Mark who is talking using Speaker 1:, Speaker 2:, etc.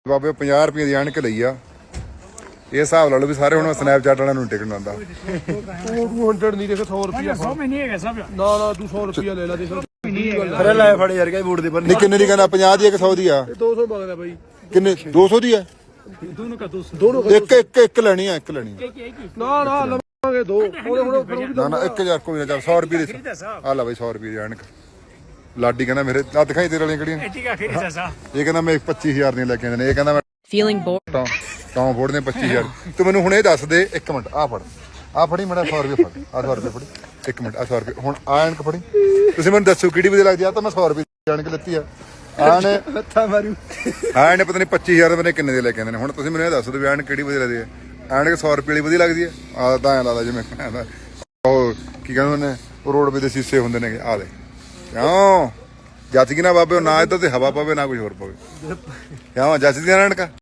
Speaker 1: ਬਾਬੇ 50 ਰੁਪਏ ਦੀ ਐਨਕ ਲਈ ਆ। ਇਹ ਹਿਸਾਬ ਲਾ ਲਓ ਵੀ ਸਾਰੇ ਹੁਣ ਸਨੈਪਚੈਟ ਵਾਲਿਆਂ ਨੂੰ ਟਿਕਣ ਆਉਂਦਾ।
Speaker 2: 200 ਨਹੀਂ ਦੇਖ 100 ਰੁਪਿਆ
Speaker 3: 100 में नहीं है सब
Speaker 2: ਨਾ ਨਾ ਤੂੰ 100 ਰੁਪਿਆ ਲੈ ਲੈ ਦੇਖ
Speaker 4: ਅਰੇ ਲੈ ਫੜ ਯਾਰ ਕਾ ਬੂਟ ਦੀ ਪਰ
Speaker 1: ਨਹੀਂ ਕਿੰਨੇ ਦੀ ਕਹਿੰਦਾ 50 ਦੀ 100 ਦੀ ਆ
Speaker 2: 200 ਮੰਗਦਾ ਬਾਈ
Speaker 1: ਕਿੰਨੇ 200 ਦੀ ਆ
Speaker 3: दोनों का 200
Speaker 2: ਦੋਨੋਂ
Speaker 1: ਇੱਕ ਲੈਣੀ ਆ ਇੱਕ ਲੈਣੀ ਆ
Speaker 2: ਨਾ ਨਾ ਲਵਾਂਗੇ ਦੋ ਹੁਣ ਫਿਰ ਉਹ ਵੀ
Speaker 1: ਨਾ ਨਾ 1000 ਕੋਈ ਨਾ ਚੱਲ 100 ਰੁਪਏ ਦੀ ਆ ਲੈ ਬਾਈ 100 ਰੁਪਏ ਦੀ ਐਨਕ। ਲਾਡੀ ਕਹਿੰਦਾ ਮੇਰੇ ਆ ਦਿਖਾਈ ਤੇਰੇ ਵਾਲੀਆਂ ਕਿਹੜੀਆਂ
Speaker 3: ठीक है खरीदा साहब
Speaker 1: ਇਹ ਕਹਿੰਦਾ ਮੈਂ 25000 ਦੀਆਂ ਲੈ ਕੇ ਆਉਂਦੇ ਨੇ। ਇਹ ਕਹਿੰਦਾ ਮੈਂ
Speaker 5: Feeling bored?
Speaker 1: ਟੌਂ ਫੋੜਦੇ 25000 ਤੂੰ ਮੈਨੂੰ ਹੁਣ ਇਹ ਦੱਸ ਦੇ ਇੱਕ ਮਿੰਟ ਆ ਫੜ ਆ ਫੜੀ ਮੇਰਾ 100 ਰੁਪਏ ਫੜ ਆ 100 ਰੁਪਏ ਫੜੀ ਇੱਕ ਮਿੰਟ ਆ 100 ਰੁਪਏ ਹੁਣ ਆ ਐਨਕ ਫੜੀ ਤੁਸੀਂ ਮੈਨੂੰ ਦੱਸੋ ਕਿਹੜੀ ਵਧੀਆ ਲੱਗਦੀ ਆ ਤਾਂ ਮੈਂ 100 ਰੁਪਏ ਦੀ ਐਨਕ ਲੱਤੀ ਆ ਆਣੇ
Speaker 2: ਹੱਥਾਂ ਮਾਰੂ
Speaker 1: ਆਣੇ ਪਤਾ ਨਹੀਂ 25000 ਦੇ ਕਿੰਨੇ ਦੇ ਲੈ ਕੇ ਆਉਂਦੇ ਨੇ। ਹੁਣ ਤੁਸੀਂ ਮੈਨੂੰ ਇਹ ਦੱਸ ਦਿਓ ਵੀ ਐਨਕ ਕਿਹੜੀ ਵਧੀਆ ਲੱਗਦੀ ਹੈ। ਐਨਕ 100 ਰੁਪਏ ਵਾਲੀ ਵਧੀਆ ਲੱਗਦੀ ਹੈ ਆ ਤਾਂ ਐਂ ਲੱਗਦਾ ਜਿਵੇਂ ਉਹ ਕੀ ਕਹਿੰਦੇ ਨੇ ਉਹ ਰੋਡਵੇ ਦੇ ਸ਼ੀਸ਼ੇ ਹੁੰਦੇ ਨੇ ਆ ਦੇ ਕਿਉਂ ਜੱਜ ਕੀ ਨਾ ਬਾਬੇ ਨਾ ਇੱਧਰ ਤੇ ਹਵਾ ਪਵੇ ਨਾ ਕੁਝ ਹੋਰ ਪਵੇ ਕਿਉਂ ਜੱਜ ਦੀਆਂ ਐਨਕਾਂ